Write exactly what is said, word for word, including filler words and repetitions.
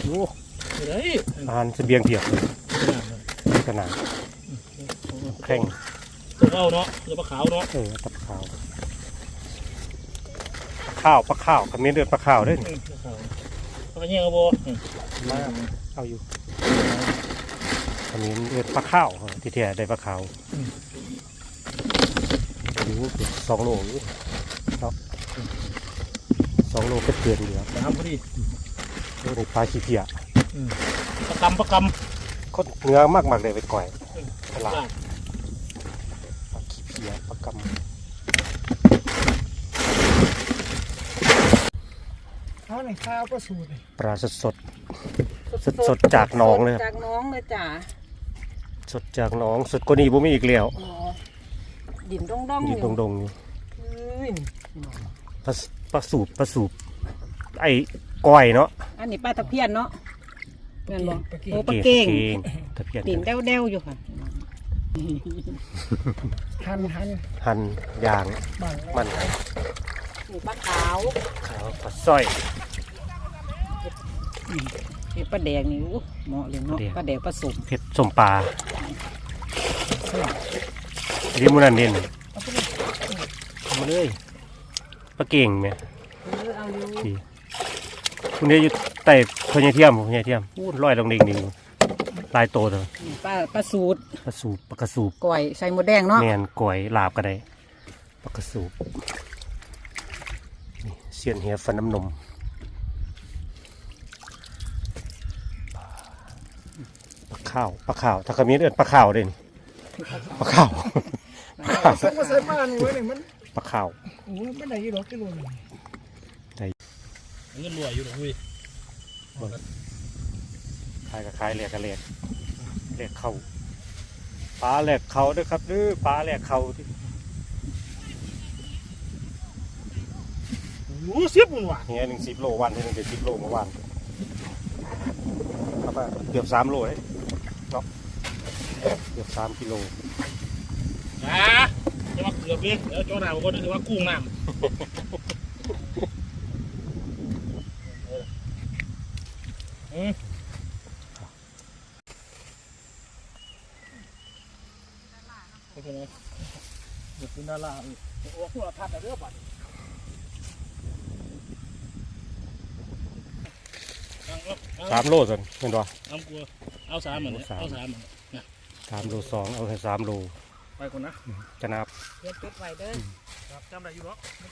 โอ้เฮ้ยอาหารเสบียงเพียบเลยขนาดแข่งตัวเอาเนาะตัวปลาขาวเนาะเออปลาขาวปลาข้าวปลาข้าวกับเมียเดือดปลาข้าวด้วยปลาขาวปลาเงี้ยเอาโบมาเอาอยู่อันนี้เดือดปลาข้าวที่แท้ได้ปลาขาวอยู่สองโลอยู่เนาะสองโลก็เตือนอยู่ครับน้ำพอดีโอ้นี่ปลาขี้เพียปลากำปลากำคนเนื้อมากมากเลยไปก่อยตลาดปลาขี้เพียปลากำเอาหน่อยข้าวก็สูตรปลาสดสดสดสดจากหนองเลยจากน้องเลยจ้าสดจากหนองสดกว่านี้บ่มีอีกแล้วดินดงดงดินดงดงปลาปลาสูบปลาสูบไอ้ก้อยเนาะอันนี้ปลาตะเพียนเนาะเงินบอกโอ้ปลาเก่งตะเพียนดินเด้วเด้วอยู่ค่ะหั่นหั่นหั่นยางมันนี่ปลาขาวขาวปลาสร้อยนี่ปลาแดงนี่เหมาะเลยเนาะปลาแดงปลาสุกเผ็ดส้มปลาเรียกมันนั่นเด่นมาเลยปลาเก่งไหมดีคุณเนี่ยอยู่ใต้พญาเทียมพญาเทียมพูดลอยลงดิ่งดิ่งลายโตเลยปลาปลาสูตรปลาสูบปลากระสูบก่อยใส่หมดแดงเนาะแมนก่อยลาบก็ได้ปลากระสูบเสียนเหียฟันน้ำนมปลาข้าวปลาข้าวถ้าขมิ้นเอิ้นปลาข้าวเด่นปลาข้าวสักมาใส่มานี่ไว้หนึ่งมันปลาข้าวโอ้ไม่ได้ยี่หรอกกิโลนึงได้เงินรวยอยู่หรอพี่ขายกับขายแหลกกับแหลกแหลกเข่าปลาแหลกเข่าด้วยครับดื้อปลาแหลกเข่าที่โอ้เสียบมันว่ะเฮียหนึ่งสิบโลวันที่หนึ่งเจ็ดสิบโลเมื่อวานครับเกือบสามโลเลยเนาะเกือบสามกิโลอ่ะจะมาเกือบเลยแล้วจ้าหน้าบอกว่าถือว่ากุ้งน้ำอืมโอเคไหมเดี๋ยวเป็นดาราโอ้พวกเราทัดแต่เรื่องบัตรสามโลสิเห็นป่ะเอากลัวเอาสามเหมือนเอาสามเหมือนสามโลสองเอาแค่สามโลไปก่อนนะจะนับเก็บไว้เด้อจำได้อยู่หรอ